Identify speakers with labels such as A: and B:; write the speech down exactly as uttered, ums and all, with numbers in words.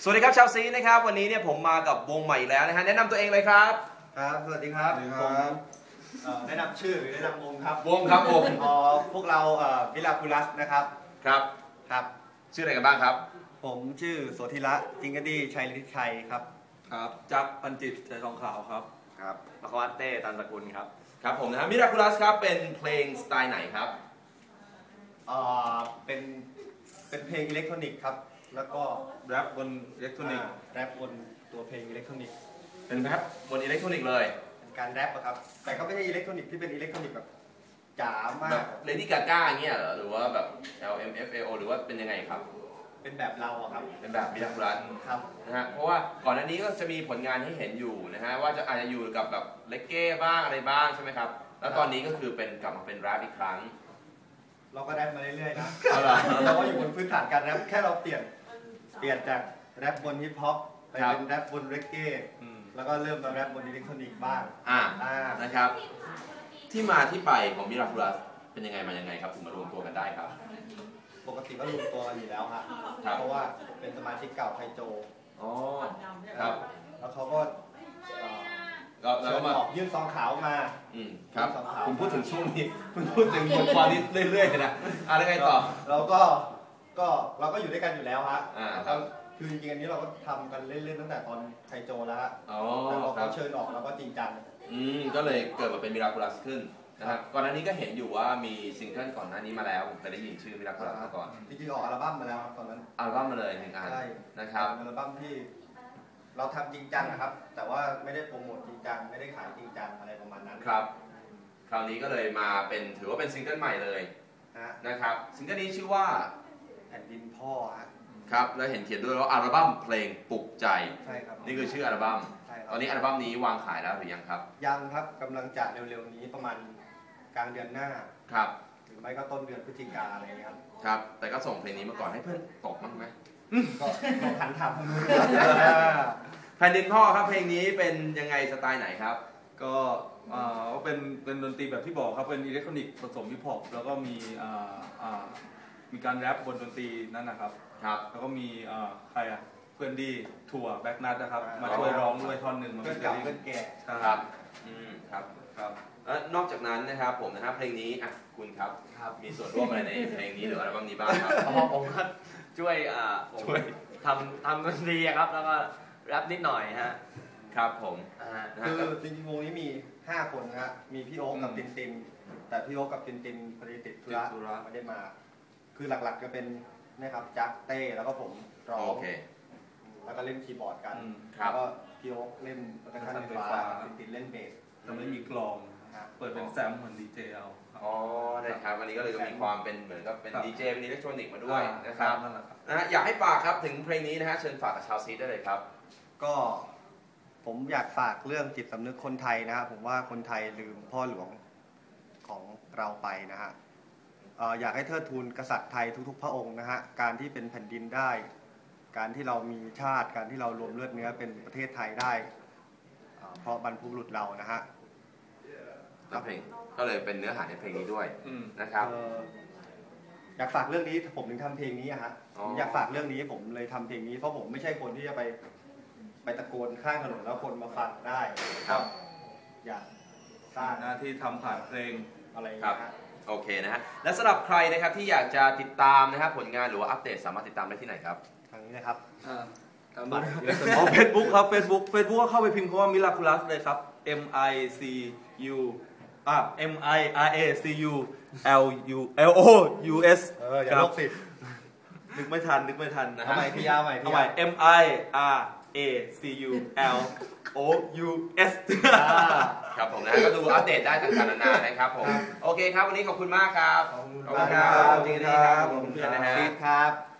A: สวัสดีครับชาวซีนะครับวันนี้เนี่ยผมมากับวงใหม่แล้วนะฮะแนะนำตัวเองเลยครับ
B: ครับสวัสดีครับผมแนะนำชื่อแนะนำวงครับ
A: วงครับวง
B: พวกเราวิลาคูลัสนะครับ
A: ครับ
B: ครับ
A: ชื่ออะไรกันบ้างครับ
B: ผมชื่อโสธิระจิงกดีชัยฤทธิชัยครับ
C: ครับจักรพันจิตใจทองขาวครับ
B: ครับ
D: มควัตเต้ตันสกุลครับ
A: ครับผมนะฮะมิราคูลัสครับเป็นเพลงสไตล์ไหนครับ
B: เอ่อเป็นเป็นเพลงอิเล็กทรอนิกส์ครับแล้วก็
C: แรปบนอิเล็กทรอนิกส์
B: แรปบนตัวเพลงอิเล็กทรอนิกส์
A: เป็นแรปบนอิเล็กทรอนิกส์เลย
B: เป็นการแรปครับแต่ก็ไม่ใช่อิเล็กทรอนิกส์ที่เป็นอิเล็กทรอนิกส์แบบจ๋ามาก
A: แบบเลดี้กาก้าอย่างเงี้ยเหรอหรือว่าแบบ แอล เอ็ม เอฟ เอ โอ หรือว่าเป็นยังไงครับ
B: เป็นแบบเราครับ
A: เป็นแบบมิราคูลัส
B: ครับ
A: นะฮะเพราะว่าก่อนหน้านี้ก็จะมีผลงานให้เห็นอยู่นะฮะว่าจะอาจจะอยู่กับแบบเลกเก้บ้างอะไรบ้างใช่ไหมครับแล้วตอนนี้ก็คือเป็นกลับมาเป็นแรปอีกครั้ง
B: เราก็แรปมาเรื่อยๆนะเราก็อยู่บนพื้นฐานการแรปแค่เราเปลี่ยนเปลี่ยนจากแรปบนฮิปฮอปไปเป็นแรปบนเรกเก้แล้วก็เริ่มมาแรปบนอิเล็กทรอนิกส์บ้าง
A: อ่านะครับที่มาที่ไปของมิราคูลัสเป็นยังไงมายังไงครับถึงมารวมตัวกันได้ครับ
B: ปกติก็รวมตัวกันอยู่แล้วครับเพราะว่าเป็นสมาชิกเก่าไทโจ
A: อ๋อครับ
B: แล้วเขาก็
A: แล้วมา
B: ยื่นซองขาวมา
A: อืมครับผมพูดถึงช่วงนี้คุณพูดถึงบทความนี้เรื่อยๆนะอะไรไงต่อ
B: เราก็ก็เราก็อยู่ด้วยกันอยู่แล้วฮะ
A: อ่าครับ
B: คือจริงๆอันนี้เราก็ทำกันเล่นๆตั้งแต่ตอนไทโจแล้วฮะ
A: อ๋อ
B: แต่พอเขาเชิญออกเราก็จริงจัง
A: อืมก็เลยเกิดมาเป็นมิราคูลัสขึ้นนะครับก่อนหน้านี้ก็เห็นอยู่ว่ามีซิงเกิลก่อนหน้านี้มาแล้วผมเคยได้ยินชื่อมิราคูลัสมาก่อน
B: จริงๆออกอัลบั้มมาแล้วตอนนั้น
A: อัลบั้มมาเลยหนึ่งอันนะครับ
B: อัลบั้มที่เราทำจริงจังนะครับแต่ว่าไม่ได้โปรโมทจริงจังไม่ได้ขายจริงจังอะไรประมาณนั้น
A: ครับคราวนี้ก็เลยมาเป็นถือว่าเป็นซิงเกิลใหม่เลยนะครับซิงเกิลนี้ชื่อว่า
B: แผ่นดินพ่อ
A: ครับแล้วเห็นเขียนด้วยว่าอัลบั้มเพลงปลุกใจ
B: ใช่ครับ
A: นี่คือชื่ออัลบั้มตอนนี้อัลบั้มนี้วางขายแล้วหรือยังครับ
B: ยังครับกำลังจะเร็วๆนี้ประมาณกลางเดือนหน้า
A: ครับ
B: หรือไม่ก็ต้นเดือนพฤศจิกาอะไรอย่างเงี้ยครับ
A: ครับแต่ก็ส่งเพลงนี้มาก่อนให้เพื่อนตกมั้งไหม
B: ก็ลองหันถามทางนู้น
A: แผ่นดินพ่อครับเพลงนี้เป็นยังไงสไตล์ไหนครับ
C: ก็เป็นเป็นดนตรีแบบที่บอกครับเป็นอิเล็กทรอนิกส์ผสมฮิปฮอปแล้วก็มีมีการแรปบนดนตรีนั่นนะครับ
A: ครับ
C: แล้วก็มีใครอ่ะเพื่อนดีถั่วแบ็กนัทนะครับมาช่วยร้องด้วยท่อนหนึ่ง
B: เพื่อนเก่าเพื่อนแก่
A: ครับอืมครับครับนอกจากนั้นนะครับผมนะครับเพลงนี้อ่ะคุณครับมีส่วนร่วมอะไรในเพลงนี้หรืออัลบั้มนี้บ้างครับ
D: อ๋อผมก็ช่วยอ่าช่วยทำทำดนตรีครับแล้วก็แรปนิดหน่อยฮะ
A: ครับผม
B: คือจริงๆวงนี้มีห้าคนนะฮะมีพี่โอ๊คกับตินตินแต่พี่โอ๊คกับตินตินพอดีติดธุระไม่ได้มาคือหลักๆจะเป็นนะครับจักเต้แล้วก็ผมร้องแล้วก็เล่นคีย์บอร์ดกันแล้วก็พี่โอ๊คเล่นเปอร์คัชชั่นไฟฟ้าตินตินเล่นเบส
C: แต่ไม่มีกลองเปิดเป็นแซมเหมือนดีเจเอา
A: อ๋อนะครับวันนี้ก็เลยมีความเป็นเหมือนกับเป็นดีเจเป็นอิเล็กทรอนิกส์มาด้วยนะครับนะฮะอยากให้ฝากครับถึงเพลงนี้นะฮะเชิญฝากกับชาวซีได้เลยครับ
B: ก็ผมอยากฝากเรื่องจิตสำนึกคนไทยนะครับผมว่าคนไทยลืมพ่อหลวงของเราไปนะฮะอยากให้เทิดทูนกษัตริย์ไทยทุกๆพระองค์นะฮะการที่เป็นแผ่นดินได้การที่เรามีชาติการที่เรารวมเลือดเนื้อเป็นประเทศไทยได้เพราะบรรพบุรุษเรานะฮะ
A: เพลงก็เลยเป็นเนื้อหาในเพลงนี้ด้วยนะครับ
B: อยากฝากเรื่องนี้ผมถึงทำเพลงนี้ฮะอยากฝากเรื่องนี้ผมเลยทำเพลงนี้เพราะผมไม่ใช่คนที่จะไปไปตะโกนข้างถนนแล้วคนมาฟังได้
A: ครับ
B: อยากสร้าง
C: หน้าที่ทำผ่านเพลง
B: อะไรครับ
A: โอเคนะฮะและสำหรับใครนะครับที่อยากจะติดตามนะครับผลงานหรือว่าอัปเดตสามารถติดตามได้ที่ไหนครับ
B: ทางนี้นะครับ
C: อ๋อเฟซบุ๊กครับเฟซบุ๊กเฟซบุ๊กก็เข้าไปพิมพ์คำว่ามิราคูลัสเลยครับ M I C U อ่ะ M I R A C U L U L O U S
B: เอออย่าลบสิ
C: นึกไม่ทันนึกไม่ทันนะฮะ
B: เอาใหม่พี่ยาวใหม่
C: พี่ยาว M I R A C U L O U S
A: ครับผมนะก็ดูอัปเดตได้ต่างๆนานานะครับผมโอเคครับวันนี้ขอบคุณมากครับ
B: ขอบคุณครับ
A: จริงๆครับผมเพื่อนนะฮะ
B: ครับ